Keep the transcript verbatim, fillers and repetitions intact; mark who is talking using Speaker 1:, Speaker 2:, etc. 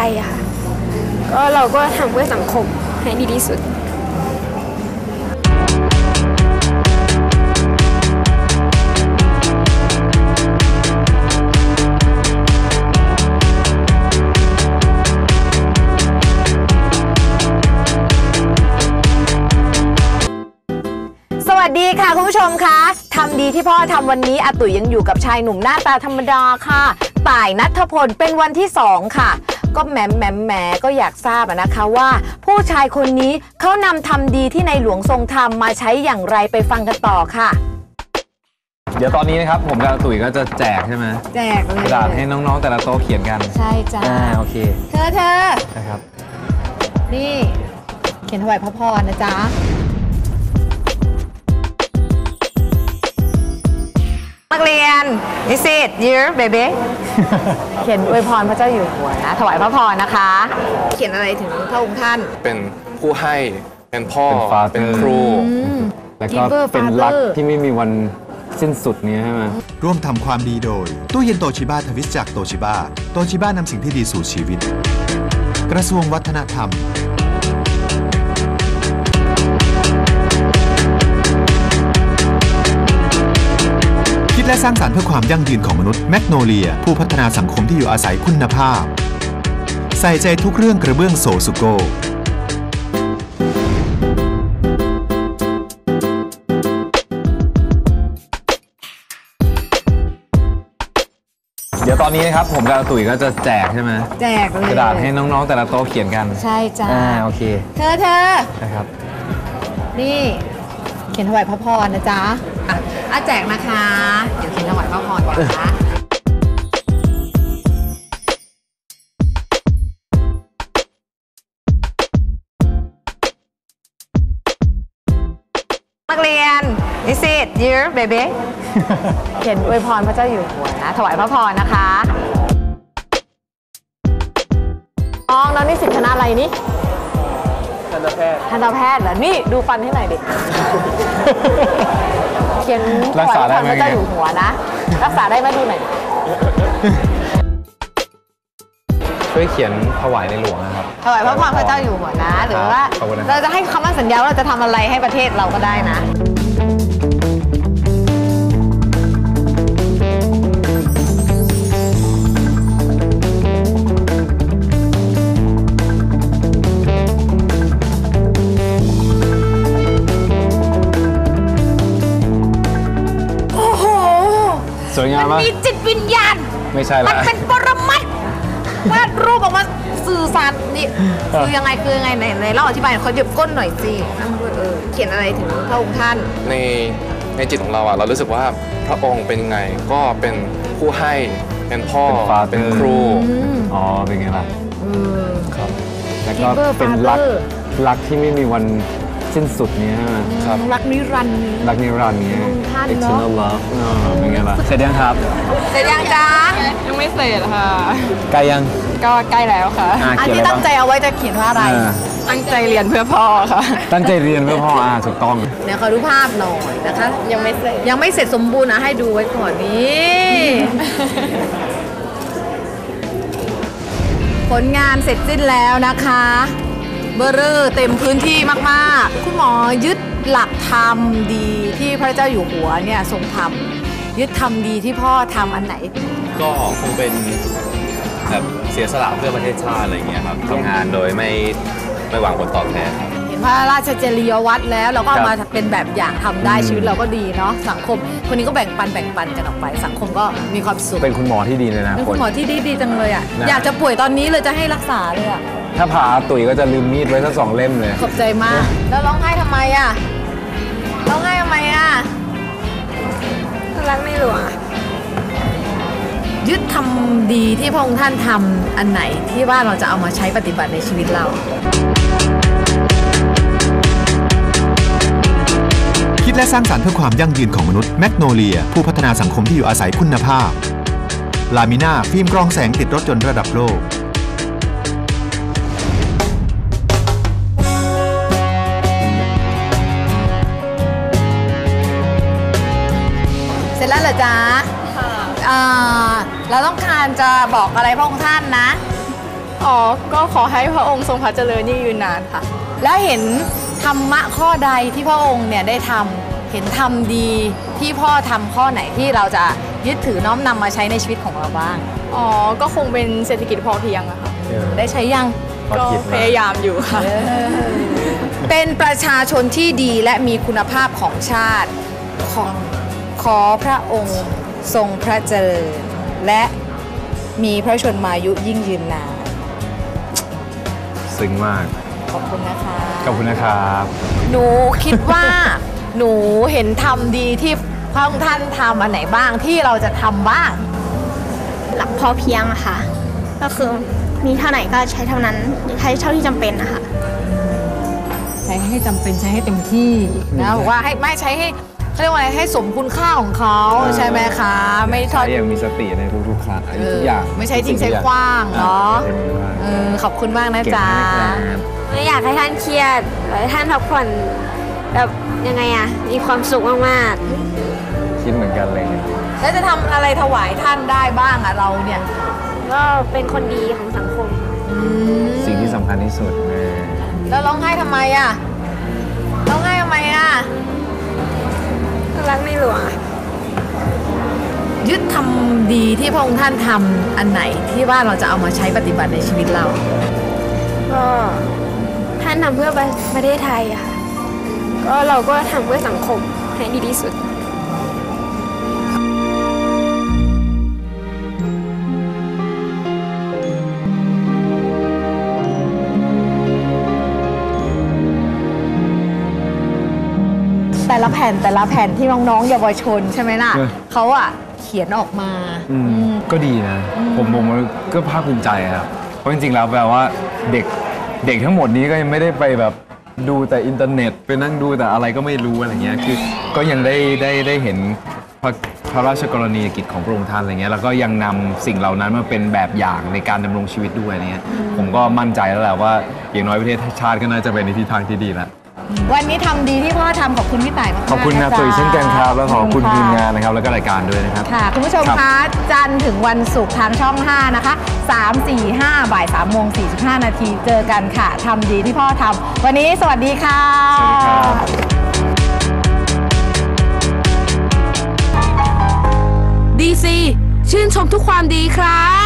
Speaker 1: อะค่ะก็เราก็ทำเพื่อสังคมให้ดีที่สุด
Speaker 2: สวัสดีค่ะคุณผู้ชมคะทำดีที่พ่อทำวันนี้อาตุ๋ยยังอยู่กับชายหนุ่มหน้าตาธรรมดาค่ะต่ายณัฐพลเป็นวันที่สองค่ะก็แหมแหมแหมก็อยากทราบนะคะว่าผู้ชายคนนี้เขานำทำดีที่ในหลวงทรงทำมาใช้อย่างไรไปฟังกันต่อค่ะ
Speaker 3: เดี๋ยวตอนนี้นะครับผมกับตุ๋ยก็จะแจกใช่ไหม
Speaker 2: แจกเลย
Speaker 3: กระดาษให้น้องๆแต่ละโต๊ะเขียนกัน
Speaker 2: ใช่จ้า
Speaker 3: อ่าโอเค
Speaker 2: เธอเธอ
Speaker 3: นะครับ
Speaker 2: นี่เขียนถวายพระพรนะจ๊ะนักเรียน Is it year baby เขียนอวยพรพระเจ้าอยู่หัวนะถวายพระพรนะคะเขียนอะไรถึงพระองค์ท่าน
Speaker 4: เป็นผู้ให้เป็นพ่อเป็นครู
Speaker 3: แล้วก็เป็นรักที่ไม่มีวันสิ้นสุดนี้ใช่ไหม
Speaker 5: ร่วมทำความดีโดยตู้เย็นโตชิบ้าทวิสจากโตชิบ้าโตชิบ้านำสิ่งที่ดีสู่ชีวิตกระทรวงวัฒนธรรมคิดและสร้างสรรค์เพื่อความยั่งยืนของมนุษย์แมกโนเลียผู้พัฒนาสังคมที่อยู่อาศัยคุณภาพใส่ใจทุกเรื่องกระเบื้องโซซุโก
Speaker 3: เดี๋ยวตอนนี้นะครับผมกับตุ๋ยก็จะแจกใช่ไหม
Speaker 2: แจกเลย
Speaker 3: กระดาษให้น้องๆแต่ละโต๊ะเขียนกัน
Speaker 2: ใช่จ้า
Speaker 3: อ่าโอเค
Speaker 2: เธอเธอ
Speaker 3: นะครับ
Speaker 2: นี่เขียนถวายพระพรนะจ๊ะอ่ะอ่ะแจกนะคะเดี๋ยวเขียนถวายพระพรก่อนนะนักเรียน Is it year baby เขียนอวยพรพระเจ้าอยู่หัวนะถวายพระพรนะคะน้องแล้วนี่สิทธิ์คณะอะไรนี่
Speaker 4: ทันตแพทย์
Speaker 2: ทันตแพทย์เหรอนี่ดูฟันให้หน่อยดิเขียนถวายพระพรพระเจ้าอยู่หัวนะรักษาได้ไหมดูหน่อย
Speaker 3: ช่วยเขียนถวายในหลวงนะครับ
Speaker 2: ถวายพระพรพระเจ้าอยู่หัวนะหรือว่าเราจะให้คำมั่นสัญญาว่าเราจะทำอะไรให้ประเทศเราก็ได้นะ
Speaker 3: สวยงามมาก
Speaker 2: มีจิตวิญญาณ
Speaker 3: ไม่ใช่ละ
Speaker 2: มันเป็นปรมัตถ์วาดรูปออกมาสื่อสารนี่คือยังไงคือยังไงไหนไหนเราอธิบายเขาหยิบก้นหน่อยสินั่งด้วยเออเขียนอะไรถึงพระองค์ท่าน
Speaker 4: ในในจิตของเราอ่ะเรารู้สึกว่าพระองค์เป็นยังไงก็เป็นผู้ให้เป็นพ่อเป็นครู
Speaker 3: อ๋อเป็นไงล่ะ
Speaker 4: ครับ
Speaker 3: แล้วก็เป็นรักรักที่ไม่มีวันสิ้นสุดนี้
Speaker 4: ครับ
Speaker 2: รักนิรันดร์
Speaker 3: รักนิรันดร์นี้ eternal love เป็นไงล่ะเสร็จยังครับ
Speaker 2: เสร็จยังจ๊ะ
Speaker 6: ยังไม่เสร็จค่ะ
Speaker 3: ใกล้ยัง
Speaker 6: ก็ใกล้แล้วค่ะ
Speaker 2: อันที่ตั้งใจเอาไว้จะเขียนว่าอะไร
Speaker 6: ตั้งใจเรียนเพื่อพ่อค่ะ
Speaker 3: ตั้งใจเรียนเพื่อพ่ออ่าถูกต้อง
Speaker 2: เดี๋ยวขอดูภาพหน่อยนะคะ
Speaker 6: ยังไม่เสร็จ
Speaker 2: ยังไม่เสร็จสมบูรณ์นะให้ดูไว้ก่อนนี้ผลงานเสร็จสิ้นแล้วนะคะเบอร์เรอร์เต็มพื้นที่มากๆคุณหมอยึดหลักธรรมดีที่พระเจ้าอยู่หัวเนี่ยทรงทำยึดธรรมดีที่พ่อทำอันไหน
Speaker 7: ก็คงเป็นแบบเสียสละเพื่อประเทศชาติอะไรอย่างเงี้ยครับทำงานโดยไม่ไม่หวังผลตอบแทน
Speaker 2: เห็นพระราชจริยวัตรแล้วเราก็มาเป็นแบบอย่างทำได้ชีวิตเราก็ดีเนาะสังคมคนนี้ก็แบ่งปันแบ่งปันกันออกไปสังคมก็มีความสุข
Speaker 3: เป็นคุณหมอที่ดีเลยนะ
Speaker 2: เป็นคุณหมอที่ดีดีจังเลยอ่ะอยากจะป่วยตอนนี้เลยจะให้รักษาเลยอ่ะ
Speaker 3: ถ้าผ่าตุ๋ยก็จะลืมมีดไว้สักสองเล่มเลย
Speaker 2: ขอบใจมากแล้วร้องไห้ทำไมอ่ะร้องไห้ทำไมอ่ะ
Speaker 1: รักในหลวง
Speaker 2: ยึดทำดีที่พระองค์ท่านทำอันไหนที่ว่าเราจะเอามาใช้ปฏิบัติในชีวิตเรา
Speaker 5: คิดและสร้างสรรค์เพื่อความยั่งยืนของมนุษย์แมกโนเลียผู้พัฒนาสังคมที่อยู่อาศัยคุณภาพลามิน่าฟิล์มกรองแสงติดรถยนต์ระดับโลก
Speaker 2: เสร็จแล้วเหรอจ๊ะเราต้องการจะบอกอะไรพระองค์ท่านนะ
Speaker 6: อ๋อ ก็ขอให้พระองค์ทรงพระเจริญยิ่งยืนนานค่ะ
Speaker 2: แล้วเห็นธรรมะข้อใดที่พระองค์เนี่ยได้ทำเห็นทำดีที่พ่อทำข้อไหนที่เราจะยึดถือน้อมนำมาใช้ในชีวิตของเราบ้าง
Speaker 6: อ๋อ ก็คงเป็นเศรษฐกิจพอเพียงอะค่ะ
Speaker 2: ได้ใช้ยัง
Speaker 6: ก็พยายามอยู่ค่ะ
Speaker 2: เป็นประชาชนที่ดีและมีคุณภาพของชาติ ขอขอพระองค์ทรงพระเจริญและมีพระชนมายุยิ่งยืนนาน
Speaker 3: ซึ้งมาก
Speaker 2: ขอบคุณนะคะ
Speaker 3: ขอบคุณนะครับ
Speaker 2: หนูคิดว่า หนูเห็นทำดีที่พระองค์ท่านทำอันไหนบ้างที่เราจะทำบ้าง
Speaker 1: หลักพอเพียงอะค่ะ ก็คือมีเท่าไหร่ก็ใช้เท่านั้นใช้เท่าที่จำเป็นนะคะ
Speaker 2: ใช้ให้จำเป็นใช้ให้เต็มที่นะบอกว่าให้ไม่ใช้ให้เขาเรียกว่าอะไรให้สมคุณค่าของเขาใช่ไหมคะไม่ทอด
Speaker 3: ใช้อย่างมีสติในทุกๆครั้งทุกอย่าง
Speaker 2: ไม่ใช่ทิ้งใช้ขว้างเนาะเออขอบคุณมากนะจ๊ะ
Speaker 1: ไม่อยากให้ท่านเครียดอยากให้ท่านพักผ่อนแบบยังไงอะมีความสุขมาก
Speaker 3: คิดเหมือนกันเลยเนี่ย
Speaker 2: แล้วจะทำอะไรถวายท่านได้บ้างอะเราเนี่ย
Speaker 1: ๆก็เป็นคนดีของสังคม
Speaker 3: สิ่งที่สำคัญที่สุดแม่
Speaker 2: แล้วร้องไห้ทำไมอะร้องไห้ทำไมอะ
Speaker 1: รักในหลวงอะ
Speaker 2: ยึดทำดีที่พระองค์ท่านทำอันไหนที่ว่าเราจะเอามาใช้ปฏิบัติในชีวิตเรา
Speaker 1: ก็ท่านทำเพื่อประเทศไทยอะค่ะก็เราก็ทำเพื่อสังคมให้ดีที่สุด
Speaker 2: แต่ละแผ่นแต่ละแผ่นที่น้องๆเยาวชนใช่ไหมล่ะเขาอะเขียนออกมา
Speaker 3: อืม
Speaker 2: อืม
Speaker 3: ก็ดีนะ ผมผมก็ภาคภูมิใจครับ เพราะจริงๆแล้วแปลว่าเด็กเด็กทั้งหมดนี้ก็ยังไม่ได้ไปแบบดูแต่อินเทอร์เน็ตไปนั่งดูแต่อะไรก็ไม่รู้อะไรเงี้ยคือก็ยังได้ได้ได้เห็นพระพระราชกรณียกิจของพระองค์ท่านอะไรเงี้ยแล้วก็ยังนำสิ่งเหล่านั้นมาเป็นแบบอย่างในการดำรงชีวิตด้วยเนี่ยผมก็มั่นใจแล้วแหละว่าอย่างน้อยประเทศชาติก็น่าจะเป็นในทิศทางที่ดีแล้ว
Speaker 2: วันนี้ทำดีที่พ่อทำขอบคุณพี่ต่ายมากๆ
Speaker 3: ขอบคุณนะ
Speaker 2: จ๊
Speaker 3: ตัวอีกเช่นกันครับแล้วขอบคุณ
Speaker 2: ะ
Speaker 3: ทีมงานนะครับแล้วก็รายการด้วยนะครับ
Speaker 2: ค่ะ คุณผู้ชม
Speaker 3: ครับ
Speaker 2: คะจันทร์ถึงวันศุกร์ทางช่อง ห้า นะคะสาม สี่ ห้า บ่ายสามโมงสี่สิบห้านาทีเจอกันค่ะทำดีที่พ่อทำวันนี้สวัสดีค่ะ
Speaker 3: สวัสดีครับ
Speaker 8: ดีซีชื่นชมทุกความดีครับ